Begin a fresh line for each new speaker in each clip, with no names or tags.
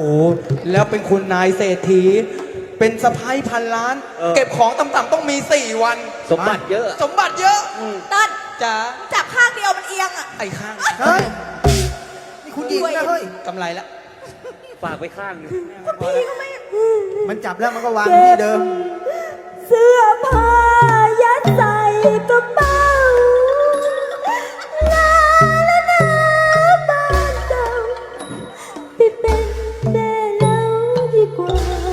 แล้วเป็นคุณนายเศรษฐีเป็นสะพ้ายพันล้าน เก็บของต่ำๆต้องมี4 วัน
สมบัติเยอะ
สมบัติเยอะ
ต้น
จ๋า
จับข้างเดียวมันเอียงอ่ะ
ไอ้ข้าง
เฮ้ย นี่คุณหญิงนะเฮ้ย
กำไรละ
ฝากไว้ข้างหนึง
พี่ก็ไม่
มันจับแล้วมันก็วางที่เดิม
เสื้อผ้ายัดใส่กระเป๋าลาแล้วนะบ้านเก่าไปเป็นแม่เล้าดีกว่า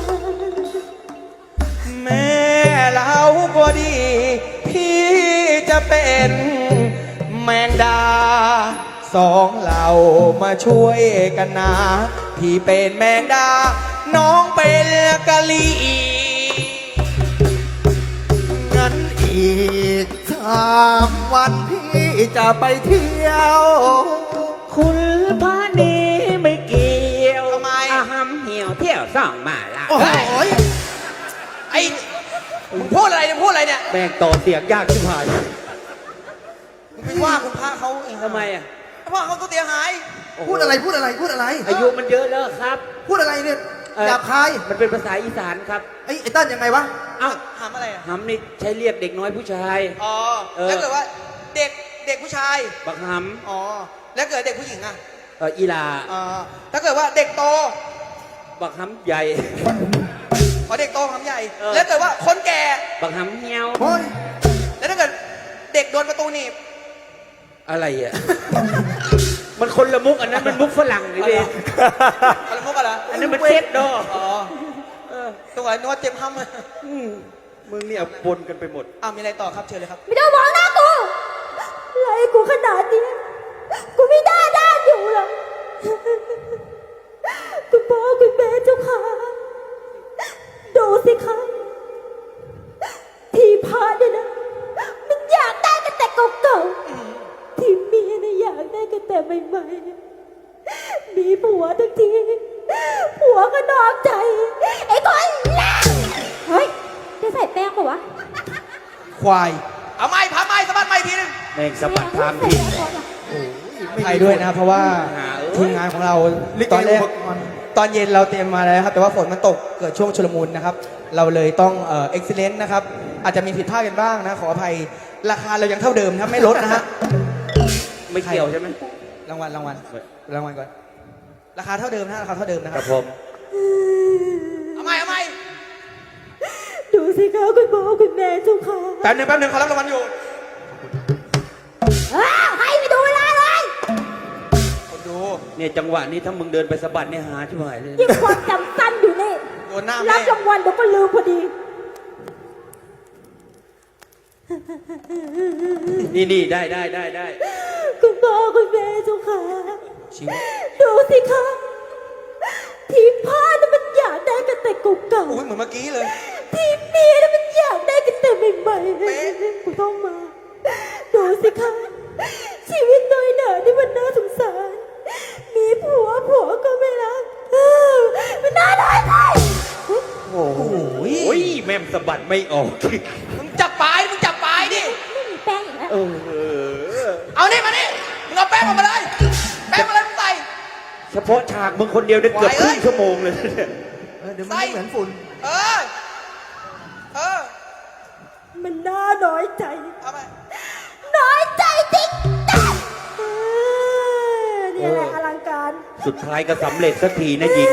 แม่เราก็ดี พี่จะเป็นแมงดา2เรามาช่วยกันนะพี่เป็นแมงดา น้องเป็นกะลี
งั้นอีก3 วันพี่จะไปเที่ยว
คุณพานีไม่เกี่ยว
ทำไม
อาหำเหี่ยวเที่ยวส่องมาละ
โอ้โห
ไอ้มึงพูดอะไรเนี่ยพูดอะไรเนี่ย
แม่งต่อเสียงยากชิบหาย
มึงไปว่าคุณพระเขาเอง
ทำไมอ่ะ
ว่าเขาตัวเสียหาย
พูดอะไรพูดอะไรพูดอะไร
อายุมันเยอะแล้วครับ
พูดอะไรเนี่ยหยาบคาย
มันเป็นภาษาอีสานครับ
ไอ้เต้นยังไงวะ
เอ้า
ถามอะไรอ่ะ
หำนี่ใช้เรียกเด็กน้อยผู้ชาย
อ๋อ
เออ
แล้วเกิดว่าเด็กผู้ชาย
บักห
อ๋อ แล้วเกิดเด็กผู้หญิงอ่ะ
ำอีลา
อ๋อถ้าเกิดว่าเด็กโต
บักหำใหญ่
ขอเด็กโตคำใหญ่
เออ
แล้วเกิดว่าคนแก่
บักหำเหี่ยว
โอ้ย
แล้วถ้าเกิดเด็กโดนประตูหนีบ
อะไรอ่ะ มันคนละมุกอันนั้นมันมุกฝรั่งนี่เอง
อะไรมุกอะไร
อันนั้นมันเจ็ดดอ
อ๋อตัวนึกว่าเจ็บห้ำ
มึงเนี่ยปนกันไปหมด
อ้าวมีอะไรต่อครับเชิญเลยครับ
ไม่ต้องมองหน้ากูไล่กูขนาดนี้กูไม่ได้ด้านอยู่หรอกคุณพ่อคุณแม่เจ้าค่ะดูสิคะที่พาเนี่ยนะมันอยากได้กันแต่เก่าๆที่เมียนะอยากได้กันแต่ใหม่ๆมีผัวทั้งทีผัวก็นอกใจไอ้คนเลวเฮ้ยได้ใส่แป้งปะวะ
ควาย เอาไม้พาไม้สะบัดไม้ทีนึง
แม่งสะบัดทามที
ไทยด้วยนะครับเพราะว่า
หา
ทีมงานของเรา
ลิเก
ตอนแรก
อุปกรณ์
ตอนเย็นเราเตรียมมาแล้วครับแต่ว่าฝนมันตกเกิดช่วงชุลมุนนะครับเราเลยต้องเอ็กซิเลนต์นะครับอาจจะมีผิดพลาดกันบ้างนะขออภัยราคาเรายังเท่าเดิมครับไม่ลดนะฮะ
ไม่เกี่ยวใช่ไหม
รางวัลก่อนราคาเท่าเดิมนะราคาเท่าเดิมนะค
ค
รั
รั
บบ
ผม
เอาไม้
ดูสิคะคุณพ่อคุณแม่เจ้าค่ะ
แป๊บหนึงเขารับรางวัลอยู่
ให้ไปดูเวลาเลย
คนดู
เนี่ยจังหวะนี้ถ้ามึงเดินไปสะบัดเนี่ยหาชิบหายเลย
ยิ่งความจำสั้นอยู่นี่
โดนหน้า
รั
แม่
บรางวัลเดี๋ยวก็ลืมพอดี
นี่ได้
คุณพ่อคุณแม่เจ้าค่ะ
ชีวิต
ดูสิคะทีมผ้าน่ะมันอยากได้กันแต่เก่า
อุ้ยเหมือนเมื่อกี้เลย
ๆทีมเมียน่ะมันอยากได้กันแต่ใหม่ๆคุณต้องมา ดูสิคะชีวิตน้อยหนาที่มันน่าสงสาร มีผัวก็ไม่รักมันน่าด้อยใจ
โอ้โหแม่มสะบัดไม่ออก
มึงจับปลายดิ
ไม่มีแป้งอีกแล้ว
เอานี่มานี่มึงเอาแป้งออกมาเลยแป้งอะไรมึงใส่
เฉพาะฉากมึงคนเดียวได้เกือบครึ่งชั่วโมงเลยเนี่ย
เดี๋ยวมันไม่เหมือนฝุ่น
เออ
มันน่าน้อยใจ
เอาไป
น้อยใจจริงจังนี่แหละอลังการ
สุดท้ายก็สำเร็จสักทีนะหญิง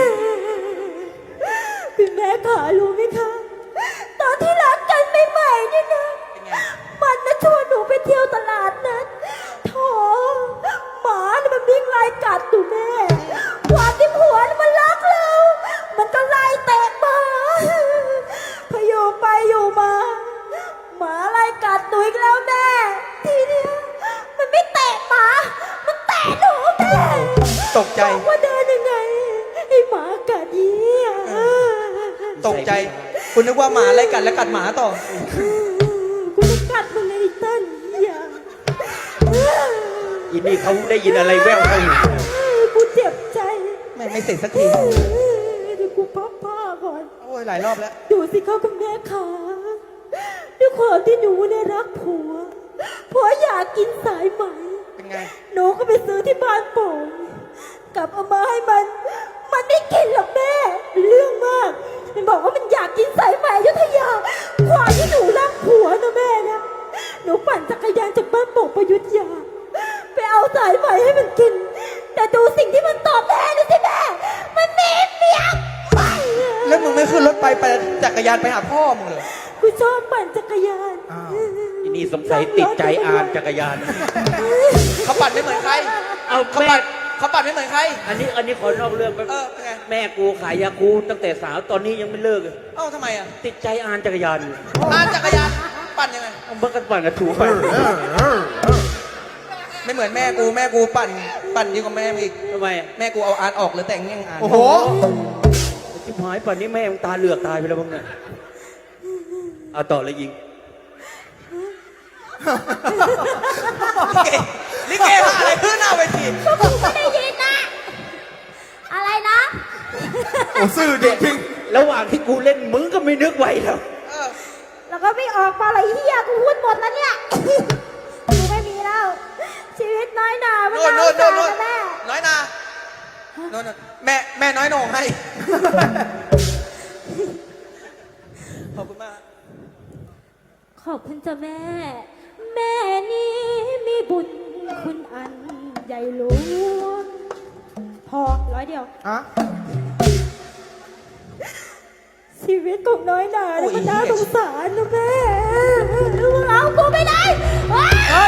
คุณแม่ขารู้ไหมคะ ตอนที่รักกันใหม่ๆเนี่ยนะ
เป็นไง
มันนะชวนหนูไปเที่ยวตลาดนัดโถหมาเนี่ยมันวิ่งไล่กัดอยู่แม่ความที่ผัวเนี่ยมันรักเรา มันก็ไล่เตะหมาพออยู่ไปอยู่มา หมาไล่กัดหนูอีกแล้วแม่ ทีเนี้ยมันไม่เตะหมา มันเตะหนูแม่
ตกใจ
บอกว่าเดินยังไงไอ้หมากัดยี่
ตกใจ คุณนึกว่าหมาไล่กัดแล้วกัดหมาต่อ
กูจะกัดมึงไอ้เต้นอย่า
อินนี่เขาได้ยินอะไรแว่วเขาอยู่
กูเจ็บใจ
ไม่เสร็จสักที
เดี๋ยวกูพับผ้าก่อน
โอ้ยหลายรอบแล้ว
ดูสิเขาคุณแม่ขาด้วยความที่หนูเนี่ยรักผัวอยากกินสายไหม
เป็นไง
หนูก็ไปซื้อที่บ้านโป่งกลับเอามาให้มันมันไม่กินหรอกแม่ เรื่องมาก มันบอกว่ามันอยากกินสายไหมอยุธยาความที่หนูรักผัวนะแม่นะหนูปั่นจักรยานจากบ้านโป่งประยุทธ์ยาไปเอาสายไหมให้มันกิน แต่ดูสิ่งที่มันตอบแทนนะสิแม่ มันมีเมียไป
แล้วมึงไม่ขึ้นรถไปจักรยานไปหาพ่อมึงเลย
กูชอบปั่นจักรยาน
อีนี่สงสัยติดใจอ่านจักรยาน
เขาปั่นไม่เหมือนใคร
เอา
เขา
แม่
ปั่นไม่เหมือนใคร
อันนี้ขอนอกเรื่องไป
เป็นไง
แม่กูขายยาคูตั้งแต่สาวตอนนี้ยังไม่เลิกเลย
เอ้าทำไมอ่ะ
ติดใจอ่านจักรยานอยู่
จักรยานปั่นยังไง
เอาเมื่อกันปั่นกระถูไป
ไม่เหมือนแม่กูปั่นยิ่งกว่าแม่มึงอีก
ทำไมอะ
แม่กูเอาอ่านออกหรือแต่งแง่งอ่าน
โอ้โห
ชิบหายป่านนี้แม่มึงตาเหลือกตายไปแล้วมึงเนี่ยเอาต่อเลยยิง
ลิเกหาอะไรขึ้นหน้าเวที
กูไม่ได้ยินนะ อะไรนะ
โอ้ซื่อจริง
ระหว่างที่กูเล่นมึงก็ไม่นึกไว้แล้ว
แล้วก็ไม่ออกมาเลยเฮียกูพูดหมดแล้วเนี่ย กูไม่มีแล้ว ชีวิตน้อยหนามัน
โน่น
น่า
โน่
ส
น
ง
โน่น
สาร
โน่น
นะแม่
น้อยนาโน่นแม่น้อยโหน่งให้ ขอบคุณมาก
ขอบคุณจ้ะแม่ แม่นี้มีบุญคุณอันใหญ่หลวงพอ100 เดียว
ๆอะ
ชีวิตของน้อยหนา
โอ้
เนี่ย
ย
มันน่าสงสารนะแม่มึงเอากูไม่ได้ว้าย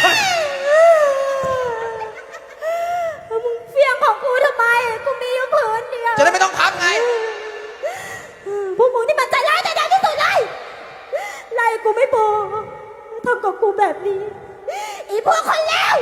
มึงเฟี้ยงของกูทำไม กูมีอยู่ผืนเดียว
จะได้ไม่ต้องพับไง
พวกมึงนี่มันใจร้ายใจดำที่สุดเลยไล่กูไม่พอทำกับกูแบบนี้ อีพวกคนเลว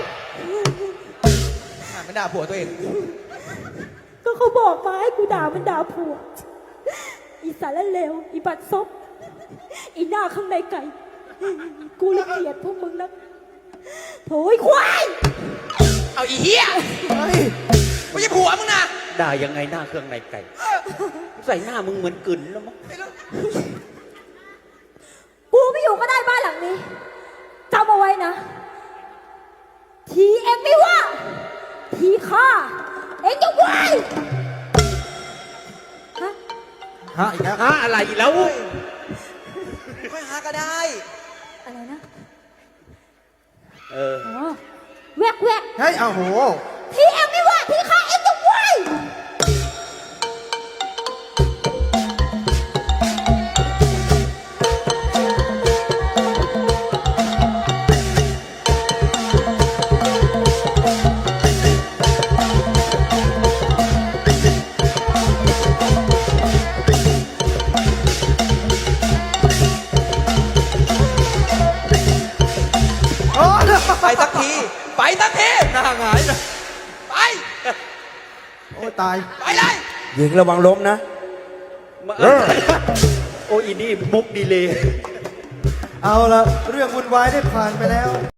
มันด่าผัวตัวเอง
ก็เขาบอกมาให้กูด่ามันด่าผัว อีสารเลว อีบัดซบ อีหน้าข้างในไก่ กูละเกลียดพวกมึงนะโถยควาย
เอาอีเหี้ย
เฮ้ย
ไม่ใช่ผัวมึงนะ
ด่ายังไงหน้าเครื่องในไก่ ใส่หน้ามึงเหมือนกึ่นแล้วมั้ง
กูไม่อยู่ก็ได้บ้านหลังนี้จำเอาไว้นะ ทีเอ็มไม่ว่า ทีข้าเอ็งจะไหวฮะ
ฮะอีกแล้ว
หาอะไรอีกแล้ว
ค่อยหาก็ได้
อะไรนะ
เออ
อ๋อแวกแวก
เฮ้ยเอาโห
ทีเอ็มไม่ว่า ทีข้าเอ็งจะไหว
โอ้
ไปสักที ไปสักที
หน้าหงายนะ
ไป
โอ้ตาย
ไปเลย
หญิงระวังล้มนะ โอ้อีนี่มุกดีเลย
เอาละเรื่องวุ่นวายได้ผ่านไปแล้ว